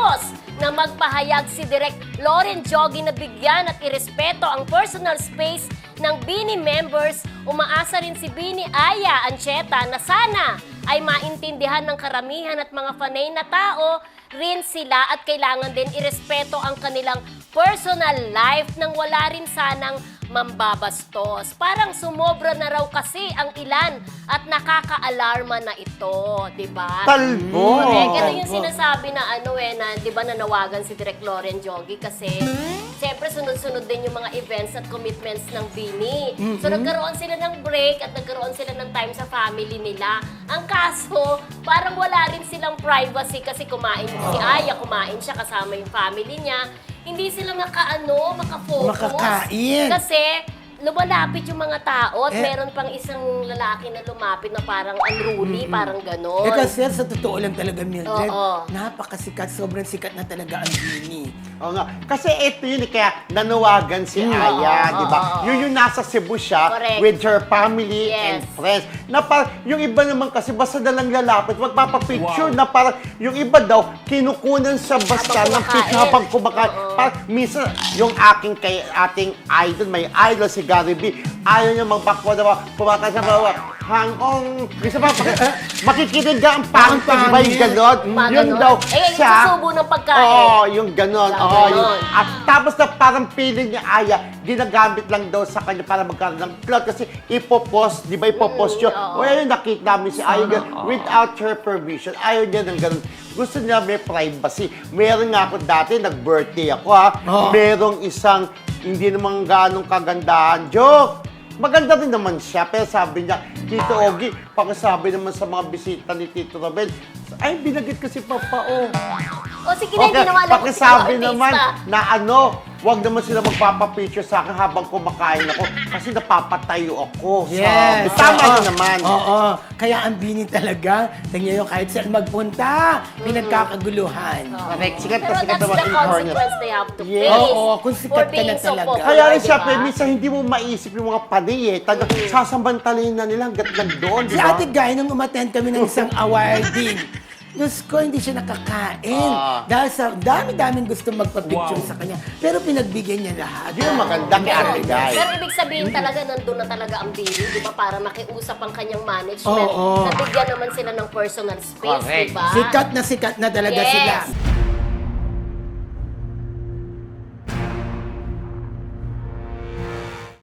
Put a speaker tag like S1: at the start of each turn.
S1: bastos na magpahayag si Direk Loren Joggy na bigyan at irespeto ang personal space ng BINI members. Umaasa rin si BINI Aya Ancheta na sana ay maintindihan ng karamihan at mga fanay na tao rin sila at kailangan din irespeto ang kanilang personal life nang wala rin sanang mambabastos. Parang sumobra na raw kasi ang ilan at nakaka-alarma na ito, di ba?
S2: Talbo!
S1: Correct. Ito yung sinasabi na na di ba nanawagan si Direk Loren Joggy kasi siyempre sunod-sunod din yung mga events at commitments ng BINI. So nagkaroon sila ng break at nagkaroon sila ng time sa family nila. Ang kaso, parang wala rin silang privacy kasi kumain si Aya, kumain siya kasama yung family niya. Hindi sila makafocus.
S3: Makakain.
S1: Kasi lumalapit yung mga tao at meron pang isang lalaki na lumapit na parang unruly, parang gano'n.
S3: Kasi sa totoo lang talaga, Mildred,
S1: Oo.
S3: napakasikat, sobrang sikat na talaga ang BINI.
S2: Oo nga. Kasi ito yun, kaya nanawagan si Aya, di ba? Yun yung nasa Cebu siya
S1: Correct.
S2: with her family and
S1: Yes.
S2: friends. Na parang, yung iba naman kasi basta na lang lalapit, magpapapicture na parang, yung iba daw, kinukunan sa basta ng
S1: Habang
S2: picture
S1: kumakain.
S2: habang kumakain. Parang, minsan, yung ating idol, may idol si Gary B, ayaw niya magbakuha na kumakain sa bawah. Hangong, gusto ba, makikinig ka ang pangit,
S3: Ang
S2: ba yung ganon?
S1: Mga
S2: Yun
S1: ganon.
S2: daw,
S1: Eh, yung susubo ng pagkain.
S2: Oo, yung ganon.
S1: Yung
S2: Oo,
S1: ganon.
S2: at tapos na parang feeling niya, Aya, ginagamit lang daw sa kanya para magkaroon ng clout kasi ipopost, di ba ipopost yun?
S1: oo.
S2: O ayun, nakita namin si Aya without her permission. Ayaw niya ng ganon. Gusto niya may privacy. Meron nga ako dati, nag-birthday ako ha.
S3: Oo.
S2: Merong isang hindi naman ganong kagandahan. Joke! Maganda rin naman siya, pero sabi niya, Tito Ogie, pakisabi naman sa mga bisita ni Tito Robel, ay, binagit ko si Papa, oh.
S1: O sige na, hindi naman alam kung sino
S2: pakisabi
S1: artista.
S2: naman na wag naman sila magpapapicture sa akin habang kumakain ako kasi napapatayo ako.
S3: Yes.
S2: Sabi. Tama
S3: Oo.
S2: rin naman.
S3: Oo. Kaya ang BINI talaga, tingnan nyo kahit saan magpunta, pinagkakaguluhan.
S2: Correct. Sikat na
S1: Pero
S2: sikat
S1: that's
S2: naman
S1: the
S2: in fairness.
S1: consequence they have to
S2: Yes.
S1: face.
S3: Oo, kung sikat
S1: for
S3: ka
S1: being
S3: na
S1: so
S3: talaga.
S1: popular,
S2: Kaya rin
S1: di
S2: siya,
S1: ba?
S2: minsan hindi mo maisip yung mga panay eh. Sasamantalayin na nila hanggat nagdoon, di
S3: Si
S2: ba?
S3: Ate Guy, nung umattend kami ng isang awarding, Diyos ko, hindi siya nakakain. Dahil sa dami-daming gusto magpa-picture sa kanya. Pero pinagbigyan niya lahat.
S2: Yun ang maganda kay Ate Guy.
S1: Pero ibig sabihin talaga, nandun na talaga ang BINI, di ba? Para makiusap ang kanyang management.
S3: Oo.
S1: Nabigyan naman sila ng personal space,
S2: Correct.
S1: di ba?
S3: Sikat na talaga
S1: Yes.
S3: sila.